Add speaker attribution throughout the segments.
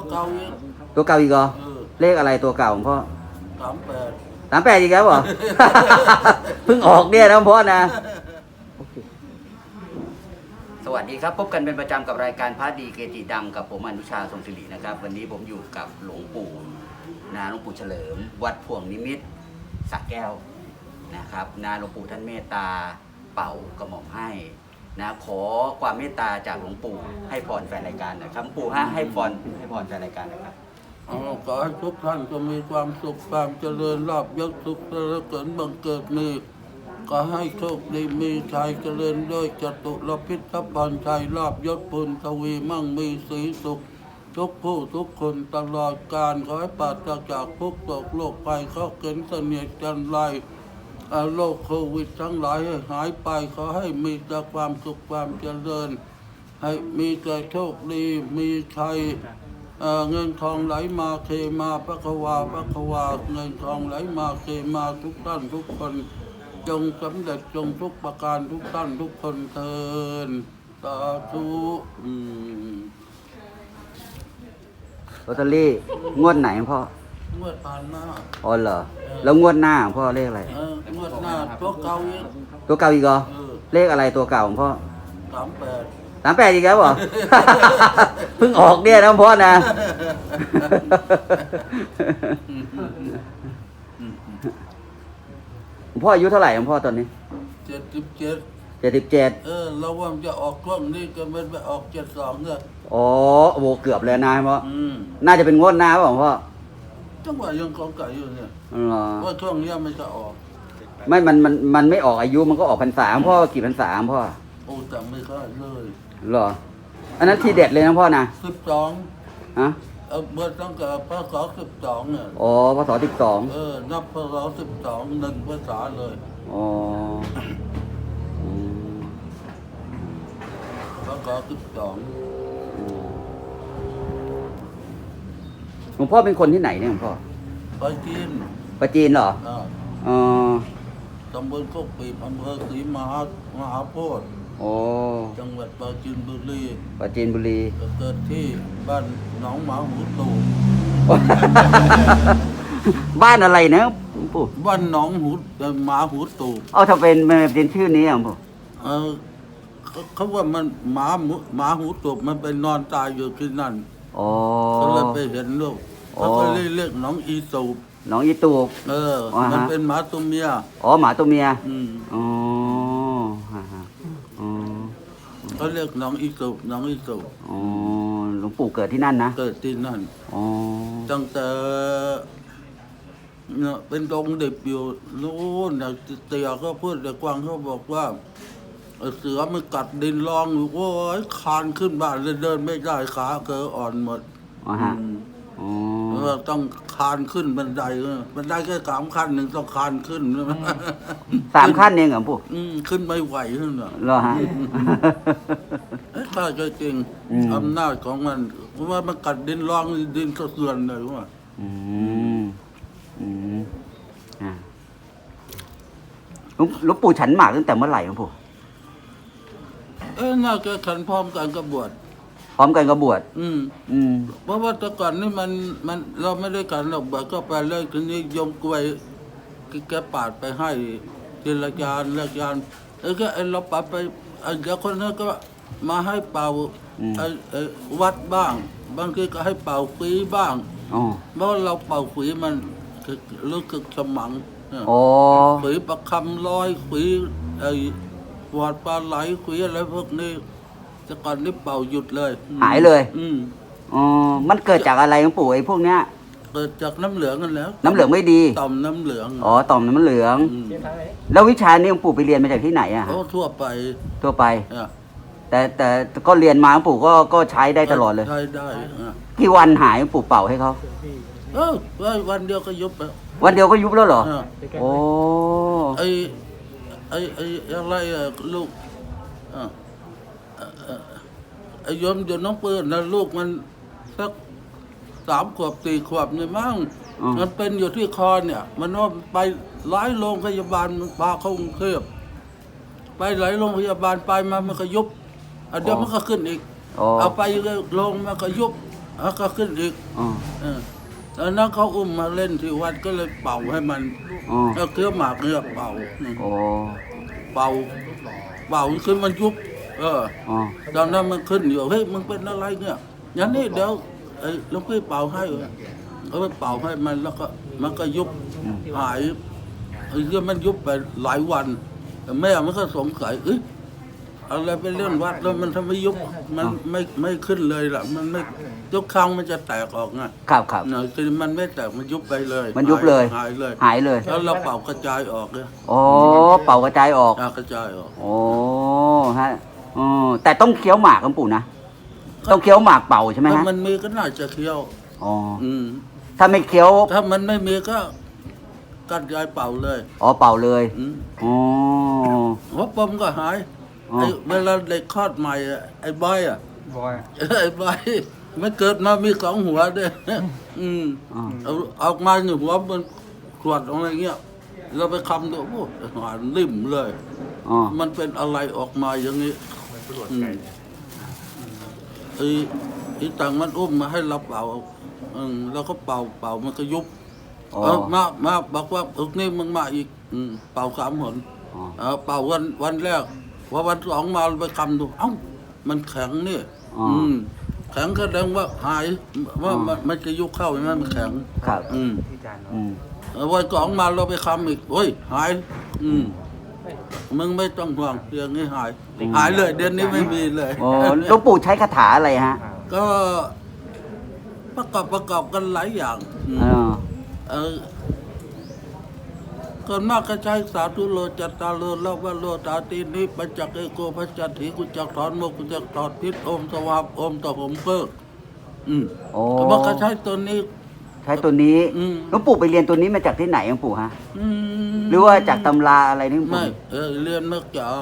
Speaker 1: เก่าอีก
Speaker 2: ตัวเก่าอีกเหรอเลขอะไรตัวเก่าของพ่อ
Speaker 1: 38
Speaker 2: 38อีกแล้วเหรอ เพิ่งออกเนี่ยนะพ่อนะสวัสดีครับพบกันเป็นประจำกับรายการพระดีเกจิดังกับผมอนุชาทรงศิรินะครับวันนี้ผมอยู่กับหลวงปู่หลวงปู่เฉลิมวัดพวงนิมิตรสระแก้วนะครับหลวงปู่ท่านเมตตาเป่ากระหม่อมให้นะขอความเมตตาจากหลวงปู่ให้พรแฟนรายการนะครับหลวงปู่ให้พรแฟนรายการนะครับ
Speaker 1: ขอให้ทุกท่านจะมีความสุขความเจริญลาภยศสุขและเกิดบังเกิดมีก็ให้โชคดีมีชัยเจริญด้วยจตุรพิธภัณฑ์ชัยลาภยศปุณทวีมั่งมีสีสุขทุกผู้ทุกคนตลอดกาลขอให้ปราศจากทุกโศกโรคภัยข้อเข็นเสนียดจันไรโรคโควิดทั้งหลายให้หายไปขอให้มีแต่ความสุขความเจริญให้มีแต่โชคดีมีชัยเงินทองไหลมาเทมาพระควาเงินทองไหลมาเทมาทุกท่านทุกคนจงสำเร็จจงทุกประการทุกท่านทุกคนเทินสาธุ
Speaker 2: ลอตเตอรี่งวดไหนพ่อง
Speaker 1: วดผ่านมา
Speaker 2: อ๋อเหรอแล้วงวดหน้าของพ่อเลขอะไร
Speaker 1: งวดหน้าตัวเก่าอีก
Speaker 2: ตัวเก่าอีกเหรอเลขอะไรตัวเก่าของพ่อ
Speaker 1: 38
Speaker 2: อีกแล้วเหรอ เพิ่งออกเนี่ยนะพ่อนะ พ่ออายุเท่าไหร่ของพ่อตอนนี้
Speaker 1: 77เราว่าจะออกช่วงนี้ก็ไม่ไปออก72เนี่ย
Speaker 2: อ๋อโหเกือบเลยนะพ่อน่าจะเป็นงวดหน้าป่ะพ่อ
Speaker 1: จังหวะยังกองไก่อยู่เนี่ยว่าช่วงนี้ไม่จะออก
Speaker 2: ไม่มันไม่ออกอายุมันก็ออกพรรษาพ่อกี่พรรษาพ่อ
Speaker 1: โอ้แต่ไม่ค่อยเลย
Speaker 2: เหรออันนั้นทีเด็ดเลยนะพ่อนะ
Speaker 1: 12ฮะเมื่อตั้งแต่พศ12เนี่ย
Speaker 2: อ๋อพศ12
Speaker 1: นับพศ12 1ภาษาเลย
Speaker 2: อ๋อ
Speaker 1: พศ12
Speaker 2: หลวงพ่อเป็นคนที่ไหนเนี่ยหลวงพ่อ
Speaker 1: ปรา
Speaker 2: จีนเหรอ
Speaker 1: ตำบลโคกปีบอำเภอศรีมหาโพธิ์จังหวัดปราจีนบุรีเกิดที่บ้านหนองหมาหูตูบ
Speaker 2: บ้านอะไรนะปู่
Speaker 1: บ้านหนองหมาหูตูบ
Speaker 2: ถ้าเป็นชื่อนี้อ่ะปู่
Speaker 1: เขาว่ามันหมาหูตูบมันไปนอนตายอยู่ที่นั่นเขาเลยไปเห็นลูกเขาก็เรียกหนองอีตูบมันเป็นหมาตัวเมีย
Speaker 2: หมาตัวเมีย
Speaker 1: เขาเรียกน้องอีสุ
Speaker 2: หลวงปู่เกิดที่นั่นนะ
Speaker 1: เกิดที่นั่นตั้งแต่เนี่ยเป็นดงเด็กอยู่นู้นเตี่ยก็พูดแต่กวางเขาบอกว่าเสือมันกัดดินรองอยู่โอ้ยคานขึ้นบ้านเลยเดินไม่ได้ขาเกออ่อนหมดต้องคานขึ้นบันไดแค่3 ขั้นหนึ่งต้องคานขึ้น
Speaker 2: 3 ขั้นเองเหรอปู่
Speaker 1: ขึ้นไม่ไหวขึ้น
Speaker 2: เหรอฮะ
Speaker 1: ถ้าจริงอำนาจของมันเพราะว่ามันกัดดินรองดินสะเทือนเลยว่า
Speaker 2: หลวงปู่ฉันหมากตั้งแต่เมื่อไหร่หลวงปู่
Speaker 1: น่าจะฉันพร้อมกันกับบวช
Speaker 2: พร้อมกันกับบวช
Speaker 1: เพราะว่าแต่ก่อนนี่มันเราไม่ได้กันหรอกบวชก็ไปเลยทีนี้ยมกล้วยแกปาดไปให้ทีละยานก็เราปาดไปเดี๋ยวคนนั้นก็มาให้เป่าวัดบ้างบางทีก็ให้เป่าฝีบ้างเพราะเราเป่าฝีมันรู้สึกสมังฝีประคำร้อยฝีหวดปลาไหลฝีอะไรพวกนี้แต่ก่อนนี่เป่าหยุดเลย
Speaker 2: หายเลยมันเกิดจากอะไรหลวงปู่ไอ้พวกเนี้ย
Speaker 1: เกิดจากน้ำเหลืองกันแล้ว
Speaker 2: น้ำเหลืองไม่ดี
Speaker 1: ต่อมน้ำเหลือง
Speaker 2: ต่อมน้ำเหลืองแล้ววิชานี้หลวงปู่ไปเรียนมาจากที่ไหนอ่ะ
Speaker 1: ทั่ว
Speaker 2: ไปแต่ก็เรียนมาหลวงปู่ก็ใช้ได้ตลอดเลย
Speaker 1: ใช้ได้
Speaker 2: กี่วันหายหลวงปู่เป่าให้เขา
Speaker 1: วันเดียวก็ยุบแล้ว
Speaker 2: วันเดียวก็ยุบแล้วเหรอโอ้
Speaker 1: ไอะไรลูกโยมน้องเปิ้ลนะลูกมันสัก3 ขวบ 4 ขวบเนี่ยมั้งมันเป็นอยู่ที่คอเนี่ยมันว่าไปหลายโรงพยาบาลมันพาเข้ากรุงเทพไปหลายโรงพยาบาลไปมามันก็ยุบเดี๋ยวมันก็ขึ้นอีกเอาไปโรงมันก็ยุบแล้วก็ขึ้นอีก
Speaker 2: อ๋อ
Speaker 1: ตอนนั้นเขาอุ้มมาเล่นที่วัดก็เลยเป่าให้มัน
Speaker 2: อ๋อ
Speaker 1: แล้วเคี้ยวหมากเนี่ยเป่า
Speaker 2: โอ้
Speaker 1: เป่าขึ้นมันยุบ
Speaker 2: อ๋อ
Speaker 1: ตอนนั้นมันขึ้นอยู่เฮ้ยมึงเป็นอะไรเนี่ยอย่างนี้เดี๋ยวไอ้หลวงพี่เป่าให้เขาไปเป่าให้มันแล้วก็มันก็ยุบหายไอ้เรื่องมันยุบไปหลายวันแม่มันก็สงสัยเอ้ยอะไรไปเรื่องวัดแล้วมันทำไมยุบมันไม่ขึ้นเลยล่ะมันไม่ทุกครั้งมันจะแตกออกไง
Speaker 2: ครับครับ
Speaker 1: เนี่ยคือมันไม่แตกมันยุบไปเลย
Speaker 2: มันยุบเลย
Speaker 1: หายเลย
Speaker 2: หายเลย
Speaker 1: แล้วเราเป่ากระจายออกเลย
Speaker 2: อ๋อเป่ากระจายออก
Speaker 1: กระจายออก
Speaker 2: โอ้ฮะอ๋อแต่ต้องเคี้ยวหมากหลวงปู่นะต้องเคี้ยวหมากเป่าใช่ไหม
Speaker 1: ถ้า
Speaker 2: ฮะ
Speaker 1: มันมีก็น่าจะเคี้ยว
Speaker 2: อ๋อ
Speaker 1: อืม
Speaker 2: ถ้าไม่เคี้ยว
Speaker 1: ถ้ามันไม่มีก็กัดยายเป่าเลย
Speaker 2: อ๋อเป่าเลย
Speaker 1: อืม
Speaker 2: อ๋อ
Speaker 1: หัวปมก็หาย
Speaker 2: อ๋อ
Speaker 1: ไอ้เวลาเด็กคลอดใหม่อะไอ้บอยอ่ะ
Speaker 3: บอย
Speaker 1: ไอ้บอยมันเกิดมามีสองหัวด้วยอืม
Speaker 2: อ๋อ
Speaker 1: เอาออกมาหนึ่งหัวมันขวดอะไรเงี้ยเราไปคำดูโอ้หวานริ่มเลย
Speaker 2: อ๋อ
Speaker 1: มันเป็นอะไรออกมาอย่างนี้อืมไอ้ต่างมันอุ้มมาให้เราเป่าแล้วก็เป่ามันก็ยุบ
Speaker 2: อ๋อ
Speaker 1: มาบอกว่านี่มึงมาอีกเป่า3 หน
Speaker 2: อ๋อ
Speaker 1: เป่าวันแรกพอวัน2มาไปคำดูเอ้ามันแข็งนี่
Speaker 2: อ๋อ
Speaker 1: แข็งแสดงว่าหายว่ามันจะยุบเข้าใช่ไหมมันแข็ง
Speaker 2: ครับ
Speaker 3: ที่จาน
Speaker 2: อืม
Speaker 1: วัน2มาเราไปคำอีกโอ้ยหายมึงไม่ต้องห่วงเรื่องนี้หายเลยเดือนนี้ไม่มีเลย
Speaker 2: อ๋อหลวงปู่ใช้คาถาอะไรฮะ
Speaker 1: ก็ประกอบกันหลายอย่าง
Speaker 2: อ๋อ
Speaker 1: ก่อนมากก็ใช้สาธุโลจัตตาโลละวะโลตาตีนิปัญจเอโกพัจจติกุจักถอนโมกุจักถอดพิษโอมสวาบโอมตะหมเพิก
Speaker 2: โอ้
Speaker 1: ก็บอกก็ใช้ตัวนี้
Speaker 2: ใช้ตัวนี้
Speaker 1: อืม
Speaker 2: หลวงปู่ไปเรียนตัวนี้มาจากที่ไหนหลวงปู่ฮะ
Speaker 1: อืม
Speaker 2: หรือว่าจากตำราอะไรนี่หลวง
Speaker 1: ไม่
Speaker 2: ปู่
Speaker 1: เรียนมาจาก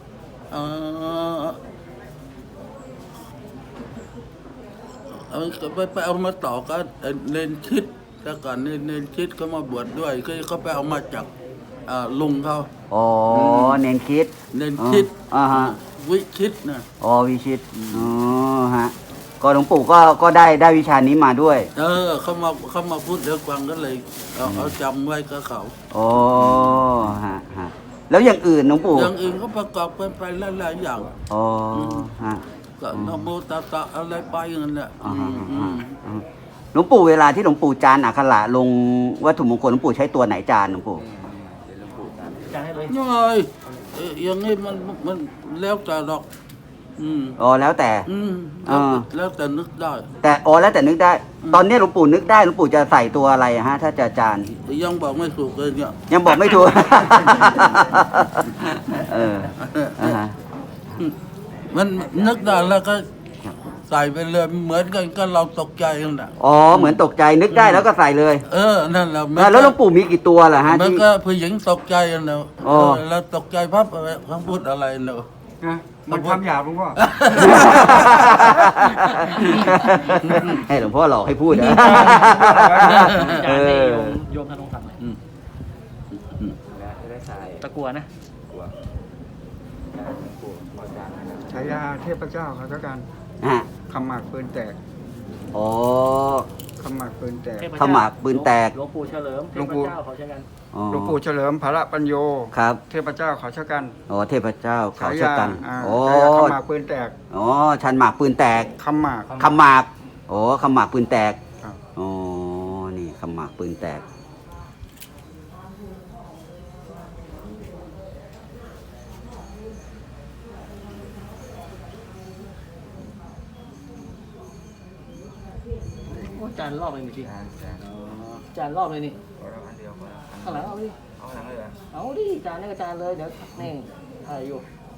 Speaker 1: ไปเอามาต่อกันเนนชิดแต่ก่อนเนนชิดก็มาบวชด้วยก็เขาไปเอามาจากลุงเขา
Speaker 2: อ๋อเนนคิด
Speaker 1: เนนชิด
Speaker 2: อ่าฮะ
Speaker 1: วิชิตนะ
Speaker 2: อ๋อวิชิตอ๋อฮะก็หลวงปู่ก็ได้วิชานี้มาด้วย
Speaker 1: เขามาพูดเดี๋ยวฟังก็เลยเอาจำไว้กับเขา
Speaker 2: อ๋อฮะแล้วอย่างอื่นหลวงปู่
Speaker 1: อย่างอื่นก็ประกอบกันไปหลายๆอย่าง
Speaker 2: อ๋อฮะ
Speaker 1: ก็นะโมตัสสะอะไรไปอย่างนั้นแหละ
Speaker 2: อ่าฮะหลวงปู่เวลาที่หลวงปู่จานอักขระลงวัตถุมงคลหลวงปู่ใช้ตัวไหนจานหลวงปู่
Speaker 3: จานให้เลย
Speaker 1: น้อยอย่างนี้มันแล้วแต่ดอก
Speaker 2: อ๋อแล้วแต่
Speaker 1: แล้วแต่นึกได้
Speaker 2: แต่อ๋อแล้วแต่นึกได้ ตอนนี้หลวงปู่นึกได้หลวงปู่จะใส่ตัวอะไรฮะ ถ้าจะจาน
Speaker 1: ยังบอกไม่ถูกเลยเนี่ย
Speaker 2: ยังบอกไม่ถูก อ่าฮะ
Speaker 1: มันนึกได้แล้วก็ใส่ไปเลยเหมือนกันก็เราตกใจนั่นแหละ
Speaker 2: อ๋อเหมือนตกใจนึกได้แล้วก็ใส่เลย
Speaker 1: นั่นแหละ
Speaker 2: แล้วหลวงปู่มีกี่ตัวล่ะฮะ
Speaker 1: มัน
Speaker 2: ที่
Speaker 1: ก็ผู้หญิงตกใจนั่นแหละ
Speaker 2: อ๋อ
Speaker 1: แล้วตกใจพับเขาพูดอะไรเนอะ
Speaker 3: นะมันทำหยาบหลวงพ่อ
Speaker 2: ให้หลวงพ่อหลอกให้พูดนะ
Speaker 4: จานให้โยมธนงศักดิ์หน่อย
Speaker 3: จะได้ใส่
Speaker 4: ตะกัวนะ
Speaker 3: ฉายาเทพเจ้าเขาแล้วกัน
Speaker 2: ฮะ
Speaker 3: คำหมากปืนแตก
Speaker 2: อ๋อ
Speaker 3: คำหมากปืนแตก
Speaker 4: เทพ
Speaker 2: ขมักปืนแตก
Speaker 4: หลวงปู่เฉลิมเท
Speaker 3: หลวง
Speaker 4: พ
Speaker 3: ปู่
Speaker 4: เจ้าเขาใช้กัน
Speaker 2: อ๋อ
Speaker 3: หลวงปู่เฉลิมภาระปัญโย
Speaker 2: ครับ
Speaker 3: เทพเจ้าเขาชะกัน
Speaker 2: อ๋อเทพเจ้าเขา
Speaker 3: ฉา
Speaker 2: ชะ
Speaker 3: ยา
Speaker 2: กันโอ้
Speaker 3: ฉายาคำหมากปืนแตก
Speaker 2: อ๋อชันหมากปืนแตก
Speaker 3: คำหมาก
Speaker 2: ขมากโอ้ขมากปืนแตก
Speaker 3: ครับ
Speaker 2: อ๋อ นี่ขมากปืนแตก
Speaker 4: โอ้จานรอบเลยพี่จานรอบเลยนี่ข้างหลังเอาดิเอาดิจานนี่ก็จานเลยเดี๋ยวนี่ถ่ายอยู่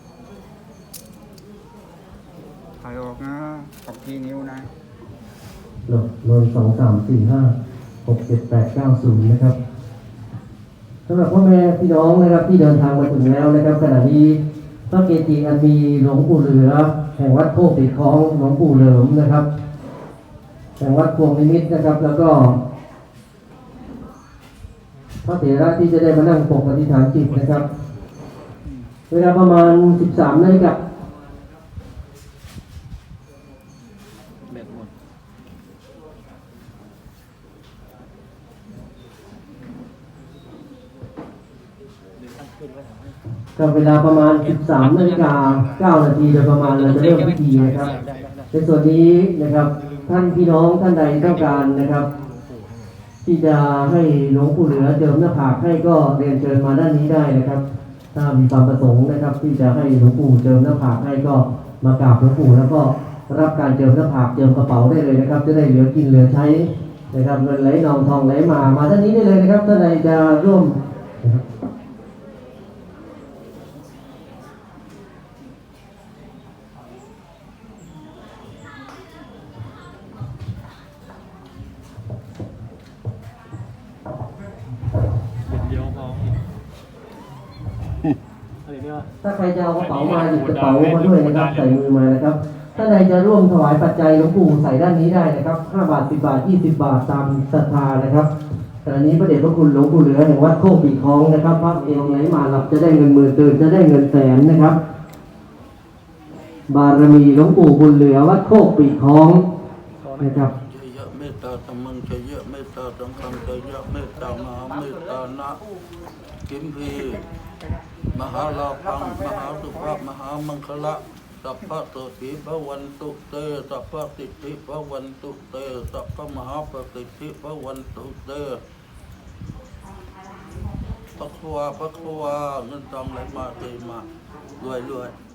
Speaker 3: ถ่ายออกนะออกกี่นิ้วนะ
Speaker 5: โดย2 3 4 5 6 7 8 9 0นะครับสำหรับพ่อแม่พี่น้องนะครับที่เดินทางมาถึงแล้วนะครับขณะนี้พระเกจิอันมีหลวงปู่เหลือแห่งวัดโคกติดคลองหลวงปู่เหลิมนะครับแห่งวัดพวงนิมิตนะครับ แล้วก็พระเถระที่จะได้มานั่งปกปฏิฐานจิตนะครับ เวลาประมาณ 13 นาฬิกา
Speaker 4: แบบหมด
Speaker 5: ก็เวลาประมาณ 13:09 นาทีโดยประมาณเราจะเริ่มพิธีนะครับในส่วนนี้นะครับท่านพี่น้องท่านใดต้องการนะครับ ที่จะให้หลวงปู่เหลือเจิมหน้าผากให้ก็เรียนเชิญมาด้านนี้ได้นะครับ ถ้ามีความประสงค์นะครับ ที่จะให้หลวงปู่เจิมหน้าผากให้ก็มากราบหลวงปู่แล้วก็รับการเจิมหน้าผากเจิมกระเป๋าได้เลยนะครับ จะได้เหลือกินเหลือใช้นะครับเงินไหลนองทองไหลมาด้านนี้ได้เลยนะครับท่านใดจะร่วมนะครับ
Speaker 4: อะไรเนี่ย
Speaker 5: ถ้าใครจะเอากระเป๋ามาหยิบกระเป๋ามาด้วยนะครับใส่มือมานะครับถ้าใดจะร่วมถวายปัจจัยหลวงปู่ใส่ด้านนี้ได้นะครับ5 บาท 10 บาท 20 บาทตามศรัทธานะครับแต่อันนี้พระเดชพระคุณหลวงปู่เหลือแห่งวัดโคกปีคองนะครับพระเอวไหลมาหลับจะได้เงินหมื่นตื่นจะได้เงินแสนนะครับ บารมีหลวงปู่บุญเหลือวัดโคกปีคองนะครับ
Speaker 1: ชยะเมตตาธรรมังชยะเมตตาสังฆังชยะเมตตามหาเมตตานะกิมพีมหาลาภังมหาสุภาพมหามังคละสัพพะโสติภวันตุเตสัพพะสิทธิภวันตุเตสัพพะมหาประสิทธิภวันตุเตพระควาเงินทองไหลมาเทมารวย